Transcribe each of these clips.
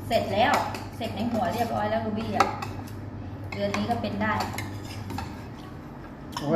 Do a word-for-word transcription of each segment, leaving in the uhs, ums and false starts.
เสร็จแล้วเสร็จในหัวเรียบร้อยแล้วรูบี้อ่ะเดือนนี้ก็เป็นได้โอ้ย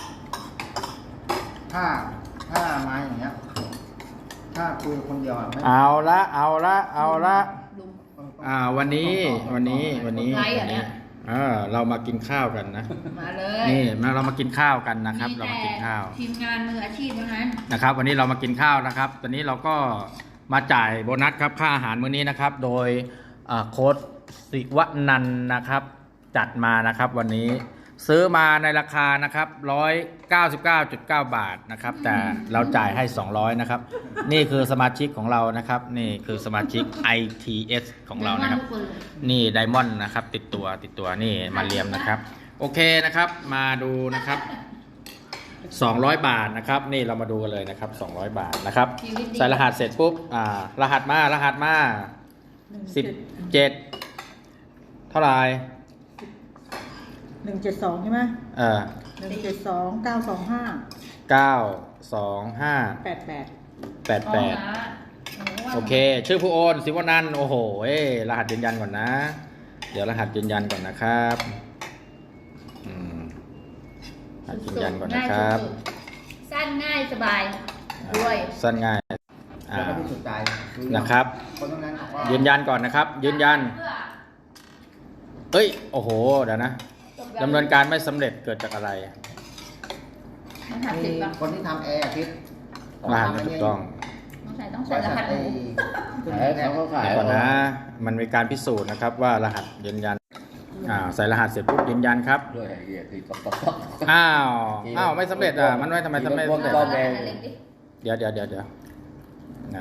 ถ้าถ้ามาอย่างเงี้ยถ้าคุยคนเดียวอ่ะไม่เอาละเอาละเอาละลุงอ่าวันนี้วันนี้วันนี้ไลฟ์เหรอเนี่ยเออเรามากินข้าวกันนะมาเลยนี่มาเรามากินข้าวกันนะครับ เรามากินข้าวทีมงานมืออาชีพเท่านั้นนะครับ วันนี้เรามากินข้าวนะครับ ตอนนี้เราก็มาจ่ายโบนัสครับค่าอาหารมื้อนี้นะครับ โดยอ่าโค้ดศิวนันท์นะครับ จัดมานะครับวันนี้ซื้อมาในราคานะครับหนึ่งร้อยเก้าสิบเก้าจุดเก้าบาทนะครับ แต่เราจ่ายให้สองร้อยนะครับ นี่คือสมาชิกของเรานะครับ นี่คือสมาชิก ไอ ที เอส ของเรานะครับ นี่ไดมอนด์นะครับ ติดตัวติดตัวนี่มาเรียมนะครับ โอเคนะครับ มาดูนะครับสองร้อยบาทนะครับ นี่เรามาดูกันเลยนะครับสองร้อยบาทนะครับใส่รหัสเสร็จปุ๊บอ่ารหัสมารหัสมาสิบเจ็ดเท่าไหร่หนึ่งเจ็ดสองใช่ไหมเออหนึ่งเจ็ดสองเก้าสองห้าเก้าสองห้าแปดแปดแปดแปดโอเค ชื่อผู้โอนศิวนันท์โอ้โหเอ้รหัสยืนยันก่อนนะ เดี๋ยวรหัสยืนยันก่อนนะครับอืมรหัสยืนยันก่อนนะครับสั้นง่ายสบายด้วยสั้นง่ายอ่าแล้วก็พิสูจน์ใจนะครับคนนั้นบอกว่ายืนยันก่อนนะครับ ยืนยันเอ้ยโอ้โหเดี๋ยวนะดำเนินการไม่สำเร็จเกิดจากอะไรมันหักมีสิบป่ะคนที่ทำแอร์พิษรหัสไม่ถูกต้องต้องใส่ต้องใส่รหัสหมูคุณแม่เขาขายเดี๋ยวก่อนนะ มันมีการพิสูจน์นะครับว่ารหัสยืนยันอ่าใส่รหัสเสร็จปุ๊บยืนยันครับด้วยไอ้เหี้ยคือต๊อกต๊อกต๊อกอ้าวอ้าวไม่สำเร็จอ่ะมันไม่ทำไมทำไมไม่สำเร็จก็รแดหัสงเล็กดิเดี๋ยวเดี๋ยวเดี๋ยวเดี๋ยวนะ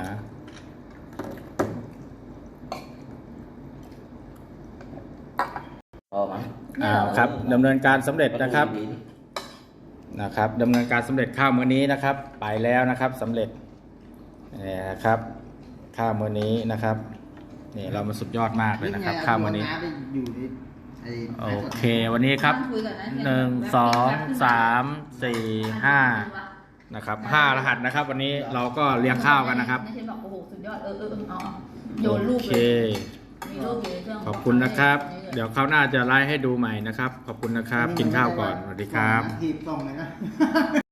พอไหมอ้าวครับดำเนินการสำเร็จนะครับนะครับดำเนินการสำเร็จข้าวมื้อนี้นะครับ ไปแล้วนะครับสำเร็จนี่นะครับข้าวมื้อนี้นะครับนี่เรามาสุดยอดมากเลยนะครับข้าวมื้อนี้อยู่ในไอ้โอเควันนี้ครับต้องคุยก่อนนะหนึ่งสองสามสี่ห้านะครับห้ารหัสนะครับ วันนี้เราก็เลี้ยงข้าวกันนะครับในเช่นบอกโอ้โหสุดยอดเออเออเออเอาเอาโยนรูปโอเลเคยมีรูปอยู่ในเครื่องขอบคุณนะครับ เดี๋ยวคราวหน้าจะไลฟ์ให้ดูใหม่นะครับ ขอบคุณนะครับ กินข้าวก่อนสวัสดีครับทีบตรงเลยนะ